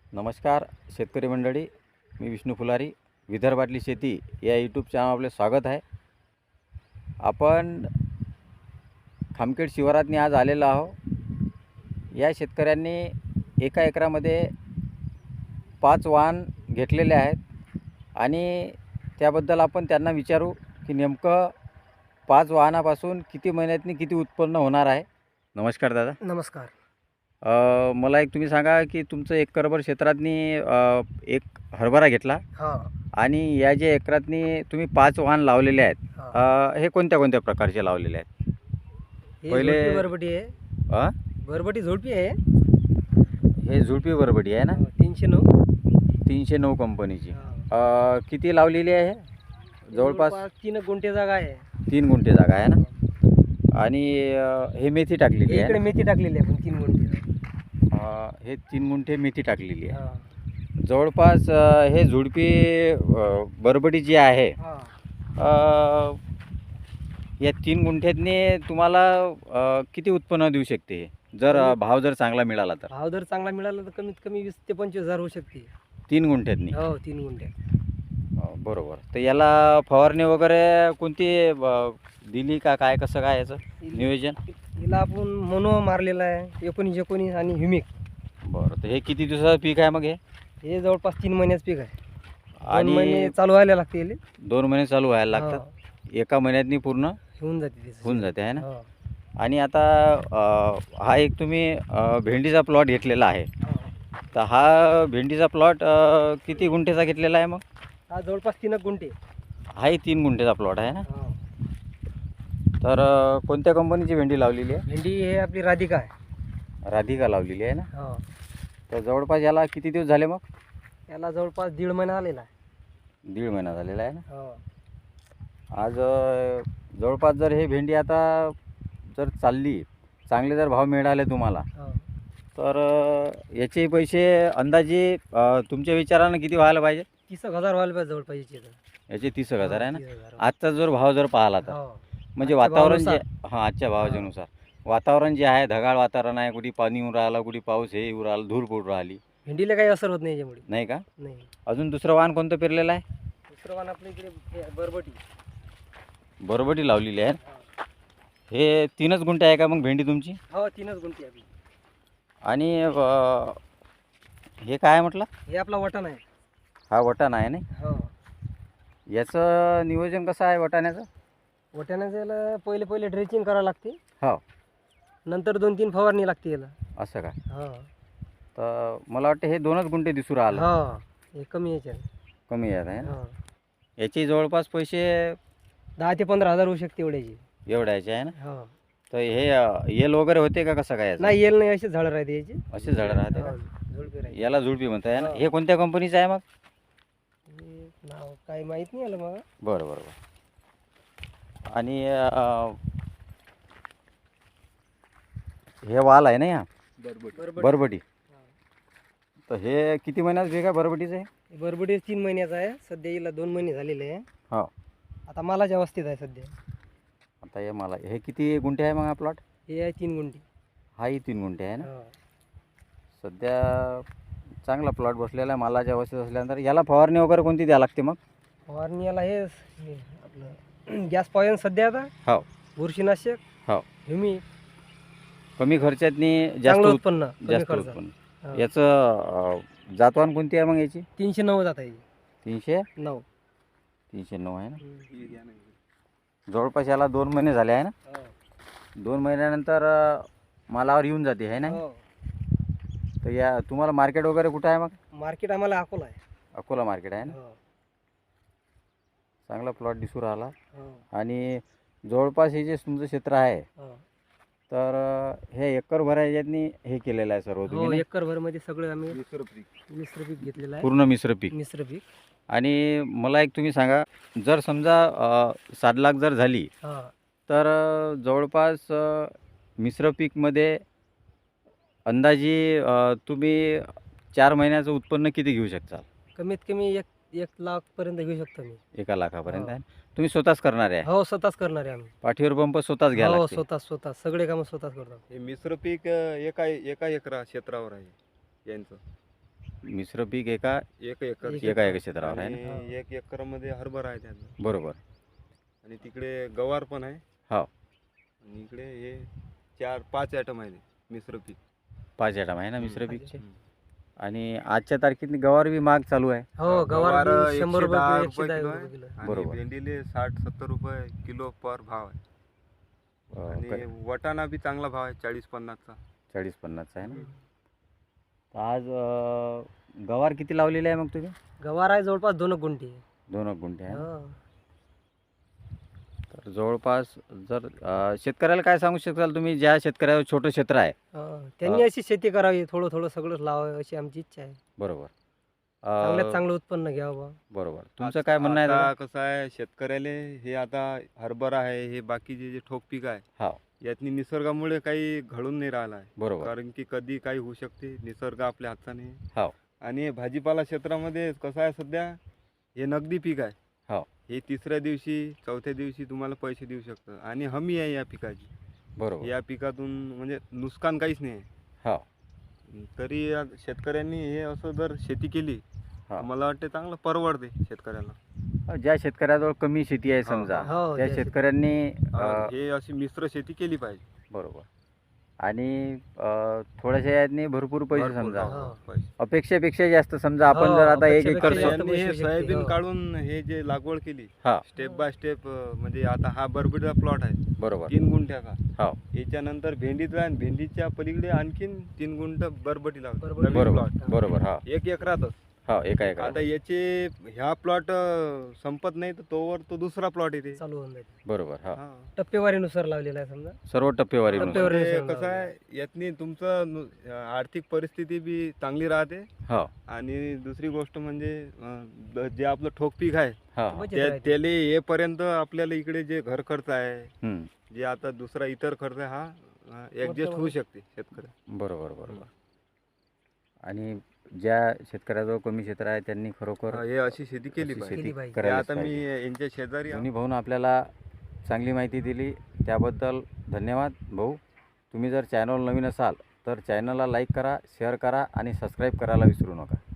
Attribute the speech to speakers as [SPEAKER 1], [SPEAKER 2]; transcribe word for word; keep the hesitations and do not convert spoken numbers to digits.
[SPEAKER 1] नमस्कार शेतकरी मंडळी, मी विष्णू फुलारी. विदर्भातली शेती या यूट्यूब चॅनल आपले स्वागत आहे. आपण खामखेड शिवारातनी आज आलेलो आहो. या शेतकऱ्यांनी एका एकरामध्ये पाच वाहन घेतलेले आहेत आणि त्याबद्दल आपण त्यांना विचारू की नेमकं पाच वाहनापासून किती महिन्यातनी किती उत्पन्न होणार आहे. नमस्कार दादा.
[SPEAKER 2] नमस्कार.
[SPEAKER 1] अ, मला एक तुम्ही सांगा की तुमचं एकरभर क्षेत्रातनी अ, एक हरभरा घेतला
[SPEAKER 2] हां
[SPEAKER 1] आणि या जे एकरातनी तुम्ही पाच वाहन लावलेले आहेत,
[SPEAKER 2] हां
[SPEAKER 1] अ, हे कोणत्या कोणत्या प्रकारचे लावलेले आहेत?
[SPEAKER 2] हे
[SPEAKER 1] पहिले-
[SPEAKER 2] झुडपी बरबटी आहे.
[SPEAKER 1] अ?
[SPEAKER 2] बरबटी झुडपी आहे.
[SPEAKER 1] हे झुडपी बरबडी आहे ना,
[SPEAKER 2] हो, तीनशे नऊ.
[SPEAKER 1] तीनशे नऊ कंपनीची.
[SPEAKER 2] हां.
[SPEAKER 1] अ, किती लावलेली आहे? जवळपास
[SPEAKER 2] तीन गुंठे जागा आहे.
[SPEAKER 1] तीन गुंठे जागा आहे ना. आणि अ, हे मेथी टाकलेली आहे
[SPEAKER 2] इकडे
[SPEAKER 1] ना?
[SPEAKER 2] मेथी टाकलेली आहे पण तीन गुंठे.
[SPEAKER 1] अ, हे तीन गुंठे मेथी टाकलेली आहे.
[SPEAKER 2] हां
[SPEAKER 1] जवळपास अ, हे झुडपी अ, बरबडी जी आहे,
[SPEAKER 2] हां
[SPEAKER 1] अ, या तीन गुंठ्यातनी तुम्हाला अ, किती उत्पन्न देऊ शकते जर अ, भाव जर चांगला मिळाला तर?
[SPEAKER 2] भाव जर चांगला मिळाला तर कमीत कमी वीस ते पंचवीस हजार होऊ शकते.
[SPEAKER 1] तीन गुंठ्यातनी?
[SPEAKER 2] हो तीन गुंठे.
[SPEAKER 1] अ, बरोबर. तर याला फवारणी वगैरे कोणती अ, दिली का काय, कसं काय याचं नियोजन?
[SPEAKER 2] हिला आपण मोनो मारलेला आहे एकोणीस एकोणीस आणि ह्युमिक.
[SPEAKER 1] बरं. तर हे किती दिवसाचं पीक आहे मग हे?
[SPEAKER 2] हे जवळपास तीन महिन्याचं पीक आहे. दोन
[SPEAKER 1] आणि
[SPEAKER 2] महिने चालू व्हायला लागते याले.
[SPEAKER 1] दोन महिने चालू व्हायला
[SPEAKER 2] हो,
[SPEAKER 1] लागतात. एका महिन्यातनी पूर्ण
[SPEAKER 2] होऊन जाते त्याचं.
[SPEAKER 1] होऊन जाते आहे ना.
[SPEAKER 2] हो,
[SPEAKER 1] आणि आता अ, हा एक तुम्ही अ, भेंडीचा प्लॉट घेतलेला आहे.
[SPEAKER 2] हो.
[SPEAKER 1] तर हा भेंडीचा प्लॉट अ, किती गुंठेचा घेतलेला आहे मग?
[SPEAKER 2] हा जवळपास तीन गुंठे.
[SPEAKER 1] हाही तीन गुंठेचा प्लॉट आहे ना.
[SPEAKER 2] हो.
[SPEAKER 1] तर अ, कोणत्या कंपनीची भेंडी लावलेली आहे?
[SPEAKER 2] भेंडी हे आपली राधिका आहे.
[SPEAKER 1] राधिका लावलेली आहे ना.
[SPEAKER 2] हो.
[SPEAKER 1] तर जवळपास याला किती दिवस झाले मग?
[SPEAKER 2] याला जवळपास दीड महिना आलेला आहे.
[SPEAKER 1] दीड महिना झालेला आहे ना.
[SPEAKER 2] हो.
[SPEAKER 1] आज अ, जवळपास जर हे भेंडी आता जर चालली, चांगले जर भाव मिळाले तुम्हाला,
[SPEAKER 2] हो.
[SPEAKER 1] तर अ, याचे पैसे अंदाजे अ, तुमच्या विचारानं किती व्हायला पाहिजे?
[SPEAKER 2] तीस एक हजार व्हायला पाहिजे जवळपास याची तर.
[SPEAKER 1] याचे तीस एक हजार आहे ना.
[SPEAKER 2] तीस हजार.
[SPEAKER 1] आजचा जर भाव जर पाहिला तर
[SPEAKER 2] हो.
[SPEAKER 1] म्हणजे
[SPEAKER 2] आजच्या
[SPEAKER 1] वातावरण जे
[SPEAKER 2] भावानुसार.
[SPEAKER 1] हां आजच्या भावाच्यानुसार वातावरण जे आहे, ढगाळ वातावरण आहे, कुठे पाणी येऊन राहिलं, कुठे पाऊस हे येऊन राहिलं, धूळ पडून राहिली,
[SPEAKER 2] भेंडीला काही असर होत नाही याच्यामुळे.
[SPEAKER 1] नाही का?
[SPEAKER 2] नाही.
[SPEAKER 1] अजून दुसरं वाहन कोणतं पेरलेलं आहे?
[SPEAKER 2] दुसरं वाण आपल्या इकडे हे बरबटी.
[SPEAKER 1] बरबटी लावलेली आहे.
[SPEAKER 2] हो.
[SPEAKER 1] हे तीनच गुंठे आहे का मग भेंडी तुमची?
[SPEAKER 2] हो तीनच गुंठी आपली.
[SPEAKER 1] आणि अ, हे काय आहे म्हटलं?
[SPEAKER 2] हे आपला वटाण आहे.
[SPEAKER 1] हा वटाणा आहे ना.
[SPEAKER 2] हो.
[SPEAKER 1] याचं नियोजन कसं आहे वटाण्याचं?
[SPEAKER 2] वटाण्याचं याला पहिले पहिले ड्रेचिंग करावं लागते.
[SPEAKER 1] हो.
[SPEAKER 2] नंतर दोन तीन फवारणी लागते याला.
[SPEAKER 1] असं का?
[SPEAKER 2] हो.
[SPEAKER 1] तर मला वाटतं हे दोनच गुंठे दिसू राहिलं.
[SPEAKER 2] हो. हे कमी याच्यात.
[SPEAKER 1] कमी येत आहे ना.
[SPEAKER 2] हो.
[SPEAKER 1] याचे जवळपास पैसे
[SPEAKER 2] दहा ते पंधरा हजार होऊ शकते एवढ्याची.
[SPEAKER 1] एवढ्याचे आहे ना.
[SPEAKER 2] हो.
[SPEAKER 1] तर हे अ, येल वगैरे होते का कसं काय याचं?
[SPEAKER 2] नाही येल नाही, अशीच झाडं राहते याची.
[SPEAKER 1] असे झाडं राहते का?
[SPEAKER 2] हो, झुडपी राहते.
[SPEAKER 1] याला झुडपी म्हणताय ना.
[SPEAKER 2] हो.
[SPEAKER 1] हे कोणत्या कंपनीचं आहे मग?
[SPEAKER 2] हे नाव काही माहीत नाही आलं मला.
[SPEAKER 1] बरं बरं बरं. आणि अ, हे वाल आहे ना ह्या
[SPEAKER 2] बरबटी.
[SPEAKER 1] बरबटी. तर हे किती महिन्यात वेग आहे बरबटीचं हे?
[SPEAKER 2] हे बरबटी तीन महिन्याचा आहे. सध्या हिला दोन महिने झालेले आहे.
[SPEAKER 1] हो.
[SPEAKER 2] आता मालाच्या अवस्थेत आहे सध्या.
[SPEAKER 1] आता हे मला हे किती गुंठे आहे मग हा प्लॉट?
[SPEAKER 2] हे आहे तीन गुंठी.
[SPEAKER 1] हाही तीन गुंठे आहे ना.
[SPEAKER 2] हो.
[SPEAKER 1] सध्या चांगला प्लॉट बसलेला आहे मालाच्या अवस्थेत असल्यानंतर. याला फवारणी वगैरे कोणती द्यावी लागते मग?
[SPEAKER 2] फवारणी याला हे हे आपलं गॅस पॉयझन सध्या आता.
[SPEAKER 1] हो.
[SPEAKER 2] बुरशीनाशक.
[SPEAKER 1] हो.
[SPEAKER 2] ह्युमी.
[SPEAKER 1] कमी खर्चातनी जास्त
[SPEAKER 2] चांगलं
[SPEAKER 1] उत-
[SPEAKER 2] उत्पन्न. कमी
[SPEAKER 1] जास्त
[SPEAKER 2] खर्च.
[SPEAKER 1] उत्पन्न.
[SPEAKER 2] हो.
[SPEAKER 1] याचं अ, जातवान कोणती आहे मग याची?
[SPEAKER 2] तीनशे नऊ जात आहे.
[SPEAKER 1] तीनशे
[SPEAKER 2] नऊ.
[SPEAKER 1] तीनशे नऊ आहे ना.
[SPEAKER 2] हम्म.
[SPEAKER 1] जवळपास याला दोन महिने झाले आहे ना.
[SPEAKER 2] हो.
[SPEAKER 1] दोन महिन्यानंतर अ, मालावर येऊन जाते आहे ना.
[SPEAKER 2] हो.
[SPEAKER 1] तर या तुम्हाला मार्केट वगैरे कुठं आहे मग?
[SPEAKER 2] मार्केट आम्हाला अकोला आहे.
[SPEAKER 1] अकोला मार्केट आहे ना.
[SPEAKER 2] हो.
[SPEAKER 1] चांगला प्लॉट दिसू राहिला.
[SPEAKER 2] हो.
[SPEAKER 1] आणि जवळपास हे जे तुमचं क्षेत्र आहे,
[SPEAKER 2] हो.
[SPEAKER 1] तर अ, हे एकर भरायच्यातनी हे केलेलं आहे सर्व
[SPEAKER 2] हो
[SPEAKER 1] तुम्ही नाही?
[SPEAKER 2] एकर भर मध्ये सगळं आम्ही मिश्र पीक घेतलेलं आहे.
[SPEAKER 1] पूर्ण मिश्र पीक.
[SPEAKER 2] मिश्र पीक.
[SPEAKER 1] आणि मला एक तुम्ही सांगा, जर समजा अ, सात लाख जर झाली,
[SPEAKER 2] हा.
[SPEAKER 1] तर अ, जवळपास अ, मिश्र पीकमध्ये अंदाजे अ, तुम्ही चार महिन्याचं उत्पन्न किती घेऊ शकता?
[SPEAKER 2] कमीत कमी एक एक लाख पर्यंत घेऊ शकतो मी.
[SPEAKER 1] एका लाखापर्यंत
[SPEAKER 2] हो.
[SPEAKER 1] आहे. तुम्ही स्वतःच करणार आहे?
[SPEAKER 2] हो स्वतःच करणार आहे आम्ही.
[SPEAKER 1] पाठीवर पंप स्वतःच घ्यायला
[SPEAKER 2] हो
[SPEAKER 1] लागते?
[SPEAKER 2] स्वतः स्वतः सगळे कामं स्वतःच करतो.
[SPEAKER 3] हे मिश्र पीक अ, एका एका एकरा क्षेत्रावर आहे यांचं.
[SPEAKER 1] मिश्र पीक एका
[SPEAKER 3] एक एकर
[SPEAKER 2] एक
[SPEAKER 1] एका एका क्षेत्रावर आहे ना?
[SPEAKER 3] आणि एक एकरमध्ये हरभरा आहे त्यात
[SPEAKER 1] बरोबर.
[SPEAKER 3] आणि तिकडे गवार पण आहे
[SPEAKER 1] हो.
[SPEAKER 3] आणि इकडे हे चार पाच आयटम आहे मिश्र पीक.
[SPEAKER 1] पाच आयटम आहे ना मिश्र
[SPEAKER 3] हम्म.
[SPEAKER 1] पीकचे.
[SPEAKER 3] हम्म.
[SPEAKER 1] आणि आजच्या तारखेत गवार बी महाग चालू आहे.
[SPEAKER 2] हो गवार बी
[SPEAKER 3] गवार
[SPEAKER 2] शंभर
[SPEAKER 3] एकशे दहा
[SPEAKER 2] रुपये एकशे
[SPEAKER 3] रुपये
[SPEAKER 2] दहा
[SPEAKER 3] किलो
[SPEAKER 2] रुपये किलो.
[SPEAKER 3] आहे आणि
[SPEAKER 1] बरोबर.
[SPEAKER 3] भेंडीले साठ सत्तर रुपये किलो पर भाव आहे.
[SPEAKER 1] अ,
[SPEAKER 3] आणि
[SPEAKER 1] क-
[SPEAKER 3] वटाणा बी चांगला भाव आहे चाळीस पन्नासचा.
[SPEAKER 1] चाळीस पन्नासचा आहे ना.
[SPEAKER 3] हम्म.
[SPEAKER 1] तर आज अ, गवार किती लावलेले आहे मग तुम्ही?
[SPEAKER 2] गवार आहे जवळपास दोन गुंठी.
[SPEAKER 1] दोन गुंठे आहे ना?
[SPEAKER 2] हो.
[SPEAKER 1] तर जवळपास जर अ, शेतकऱ्याला काय सांगू शकाल तुम्ही, ज्या शेतकऱ्यावर छोटं क्षेत्र आहे?
[SPEAKER 2] हो. त्यांनी अशी शेती करावी, थोडं थोडं सगळंच लावावं अशी आमची इच्छा आहे.
[SPEAKER 1] बरोबर. अ,
[SPEAKER 2] चांगल्यात चांगलं उत्पन्न घ्यावं बा.
[SPEAKER 1] बरोबर. तुमचं
[SPEAKER 3] आज-
[SPEAKER 1] काय म्हणणं आहे
[SPEAKER 3] आता
[SPEAKER 1] दादा?
[SPEAKER 3] कसं आहे शेतकऱ्याले हे आता हरभरा आहे हे बाकीचे जे ठोक पीक आहे
[SPEAKER 1] हो.
[SPEAKER 3] यातनी निसर्गामुळे काही घडून नाही राहिला आहे.
[SPEAKER 1] बरोबर.
[SPEAKER 3] कारण की कधी काही होऊ शकते, निसर्ग आपल्या हाताने आहे.
[SPEAKER 1] हो.
[SPEAKER 3] आणि हे भाजीपाला क्षेत्रामध्ये कसं आहे सध्या हे नगदी पीक आहे.
[SPEAKER 1] हो.
[SPEAKER 3] हे तिसऱ्या दिवशी चौथ्या दिवशी तुम्हाला पैसे देऊ शकतं आणि हमी आहे या पिकाची.
[SPEAKER 1] बरोबर.
[SPEAKER 3] या पिकातून म्हणजे नुकसान काहीच नाही आहे.
[SPEAKER 1] हो.
[SPEAKER 3] तरी या शेतकऱ्यांनी हे असं जर शेती केली
[SPEAKER 1] हा.
[SPEAKER 3] तर मला वाटते चांगलं परवडते शेतकऱ्याला.
[SPEAKER 1] अ, ज्या शेतकऱ्याजवळ कमी शेती आहे
[SPEAKER 3] हो,
[SPEAKER 1] समजा,
[SPEAKER 2] हो,
[SPEAKER 1] त्या
[SPEAKER 2] ज्या शेत-
[SPEAKER 1] शेतकऱ्यांनी अ,
[SPEAKER 3] हे अशी मिश्र शेती केली पाहिजे.
[SPEAKER 1] बरोबर. आणि अ, थोड्याशा यातनी भरपूर पैसे
[SPEAKER 3] भरपूर,
[SPEAKER 1] समजा,
[SPEAKER 3] हो,
[SPEAKER 2] हो.
[SPEAKER 3] पैसे.
[SPEAKER 1] अपेक्षेपेक्षा जास्त समजा आपण
[SPEAKER 2] हो,
[SPEAKER 1] जर आता एक
[SPEAKER 2] अपेक्षेपेक्षा
[SPEAKER 1] एकर
[SPEAKER 3] तर
[SPEAKER 2] जास्त
[SPEAKER 1] सो-
[SPEAKER 3] यांनी हे
[SPEAKER 2] पैसे शकते,
[SPEAKER 3] सोयाबीन
[SPEAKER 2] हो.
[SPEAKER 3] काढून हे जे लागवड केली
[SPEAKER 1] हा.
[SPEAKER 3] स्टेप बाय स्टेप म्हणजे आता हा बरबीचा प्लॉट आहे
[SPEAKER 1] बरोबर.
[SPEAKER 3] तीन गुंठ्याचा.
[SPEAKER 1] हो.
[SPEAKER 3] याच्यानंतर भेंडीचा आणि भेंडीच्या पलीकडे आणखीन तीन गुंठ बरबटी लावली.
[SPEAKER 2] बरबटी.
[SPEAKER 3] नवीन
[SPEAKER 1] बरोबर.
[SPEAKER 3] प्लॉट
[SPEAKER 1] बरोबर. हा.
[SPEAKER 3] एक एकरातच.
[SPEAKER 1] हो. एका एका.
[SPEAKER 3] आता याचे ह्या प्लॉट संपत नाही तर तोवर तो दुसरा प्लॉट येते.
[SPEAKER 2] चालू होऊन जाते.
[SPEAKER 1] बरोबर. हा.
[SPEAKER 3] हा.
[SPEAKER 2] टप्पेवारीनुसार लावलेला आहे समजा.
[SPEAKER 1] सर्व टप्पेवारी
[SPEAKER 2] टप्पेवारी.
[SPEAKER 1] नुसार.
[SPEAKER 3] म्हणजे कसं आहे यातनी तुमचं नु- आर्थिक परिस्थिती बी चांगली राहते
[SPEAKER 1] हो.
[SPEAKER 3] आणि दुसरी गोष्ट म्हणजे अं, द- जे आपलं ठोक पीक आहे
[SPEAKER 1] हा.
[SPEAKER 2] बचत
[SPEAKER 3] त्या-
[SPEAKER 2] राहते.
[SPEAKER 3] त्याले येपर्यंत आपल्याला इकडे जे घर खर्च आहे
[SPEAKER 1] हम्म.
[SPEAKER 3] जे आता दुसरा इतर खर्च आहे हा ऍडजस्ट होऊ शकते शेतकऱ्या.
[SPEAKER 1] बरोबर. बरोबर. आणि ज्या शेतकऱ्याजवळ कमी क्षेत्र आहे त्यांनी खरोखर
[SPEAKER 3] हे अशी शेती केली
[SPEAKER 1] अशी
[SPEAKER 3] पाहिजे.
[SPEAKER 1] शेती
[SPEAKER 2] केली पाहिजे.
[SPEAKER 3] हे
[SPEAKER 1] करायला
[SPEAKER 3] आता मी यांच्या शेजारी आहे.
[SPEAKER 1] दोन्ही भाऊन आपल्याला चांगली माहिती दिली, त्याबद्दल धन्यवाद भाऊ. तुम्ही जर चॅनल नवीन असाल तर चॅनलला लाईक करा, शेअर करा आणि सबस्क्राईब करायला विसरू नका.